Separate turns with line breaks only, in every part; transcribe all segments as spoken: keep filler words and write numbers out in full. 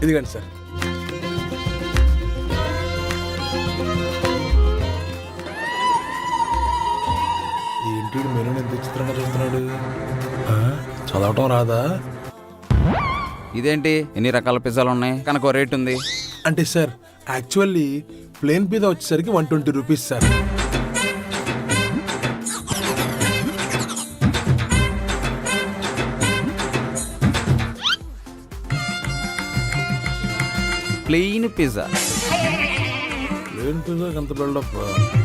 ఇదిగండి సార్. ఏంటి మెనూ ఎంత విచిత్రంగా చూస్తున్నాడు? చదవటం రాదా?
ఇదేంటి ఎన్ని రకాల పిజ్జాలు ఉన్నాయి కనుక రేట్ ఉంది?
అంటే సార్ యాక్చువల్లీ ప్లేన్ పిజ్జా వచ్చేసరికి one twenty rupees sir.
Plain pizza.
Plain pizza ఎంత బిల్డప్?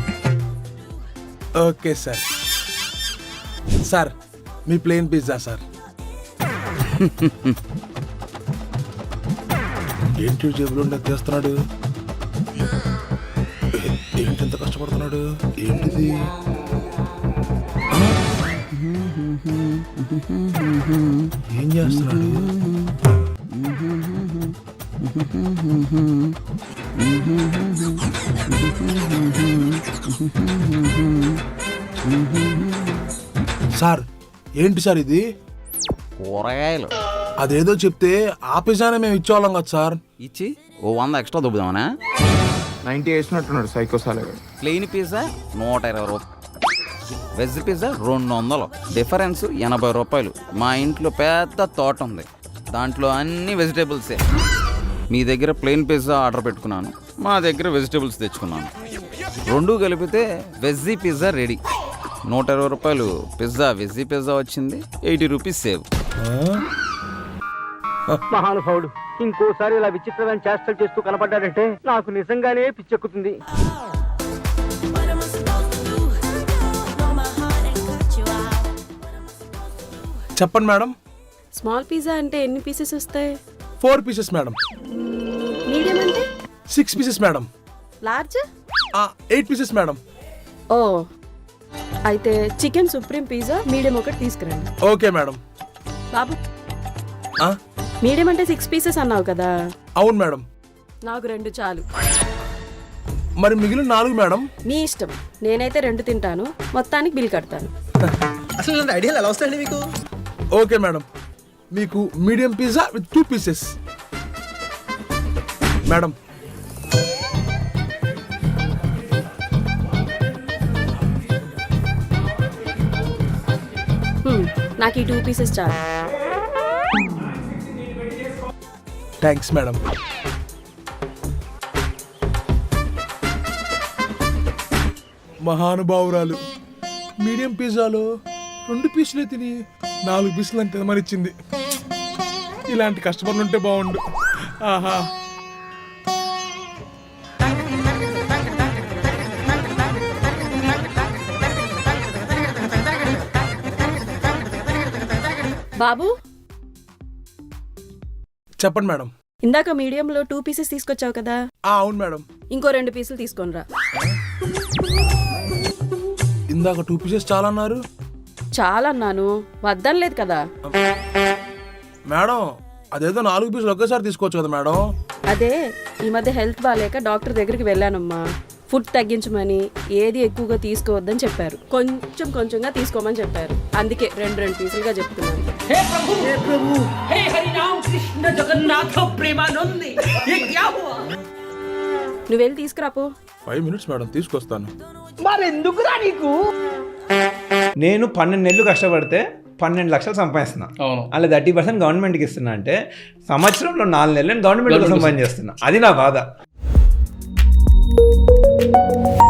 Okay sir. సార్ మీ ప్లేన్ పిజ్జా సార్. ఏంటి జేబులో తెస్తున్నాడు? ఏంటి ఎంత కష్టపడుతున్నాడు? ఏంటిది? ఏం చేస్తున్నాడు? సార్ ఏంటి సార్ ఇది?
కూరగాయలు.
అదేదో చెప్తే ఆ పిజ్జానే మేము ఇచ్చేవాళ్ళం కదా సార్.
ఇచ్చి ఓ వంద ఎక్స్ట్రా దుబ్బుదామనా?
నైన్టీ వేసినట్టున్నాడు సైకో సాలగా.
ప్లెయిన్ పిజ్జా నూట ఇరవై రూపాయలు, వెజ్ పిజ్జా రెండు వందలు, డిఫరెన్స్ ఎనభై రూపాయలు. మా ఇంట్లో పెద్ద తోట ఉంది, దాంట్లో అన్ని వెజిటేబుల్సే. మీ దగ్గర ప్లెయిన్ పిజ్జా ఆర్డర్ పెట్టుకున్నాను, మా దగ్గర వెజిటేబుల్స్ తెచ్చుకున్నాను. రెండు కలిపితే వెజ్జీ పిజ్జా రెడీ. నూట ఇరవై రూపాయలు పిజ్జా వెజ్జీ పిజ్జా వచ్చింది, ఎయిటీ రూపీస్ సేవ్.
మహానుభావుడు ఇంకోసారి ఇలా విచిత్రమైన చేష్టలు చేస్తూ కనపడ్డాడంటే నాకు నిజంగానే పిచ్చెక్కుతుంది.
చెప్పండి మేడం.
స్మాల్ పిజ్జా అంటే ఎన్ని పీసెస్ వస్తాయి?
Four pieces madam.
మీడియం అంటే?
Six pieces madam.
Large?
Eight pieces madam.
ఓ అయితే చికెన్ సుప్రీం పిజ్జా మీడియం ఒకటి తీసుకురండి.
Okay madam.
బాబు మీడియం అంటే సిక్స్ పీసెస్ అన్నావు కదా?
అవును మేడం.
నాకు రెండు చాలు.
మరి మిగిలిన నాలుగు మేడం?
మీ ఇష్టం, నేనైతే రెండు తింటాను, మొత్తానికి బిల్ కడతాను.
అసలు ఐడియాలు ఎలా వస్తాయండి మీకు?
ఓకే మేడం, మీకు medium pizza with two pieces madam.
నాకు ఈ టూ పీసెస్ చాలు.
Thanks madam. మహానుభావురాలు మీడియం పిజ్జాలో రెండు పీసులే తిని నాలుగు పీసులు అని తినమనిచ్చింది. ఇలాంటి కస్టమర్లు ఉంటే బాగుండు. ఆహా.
బాబు
చెప్పండి మేడం.
ఇందాక మీడియంలో టూ పీసెస్ తీసుకొచ్చావు కదా?
అవును మేడం.
ఇంకో రెండు పీసులు తీసుకొని రా.
ఇందాక టూ పీసెస్ చాలా అన్నారు.
చాలా అన్నాను, వద్దనలేదు కదా
మేడం. అదేదో నాలుగు పీసులు ఒకేసారి తీసుకోవచ్చు కదా మేడం.
అదే ఈ మధ్య హెల్త్ బాగాలేక డాక్టర్ దగ్గరికి వెళ్ళానమ్మా. ఫుడ్ తగ్గించమని, ఏది ఎక్కువగా తీసుకోవద్దని చెప్పారు. కొంచెం కొంచెంగా తీసుకోమని చెప్పారు. అందుకే రెండు రెండు పీసులుగా చెప్తున్నాను.
हे प्रभु हे प्रभु हे हरि राम कृष्ण जगन्नाथ प्रेमानंद ये क्या हुआ?
నువ్వు వెళ్ళి తీసుకురాపో.
ఫైవ్ మినిట్స్ మేడం, తీసుకొస్తాను.
మరెందుకురా నీకు?
నేను పన్నెండు నెలలు కష్టపడితే పన్నెండు లక్షలు సంపాదిస్తున్నా. అలా థర్టీ పర్సెంట్ గవర్నమెంట్కి ఇస్తున్నా అంటే సంవత్సరంలో నాలుగు నెలలు నేను గవర్నమెంట్ కోసం పని చేస్తున్నా. అది నా బాధ.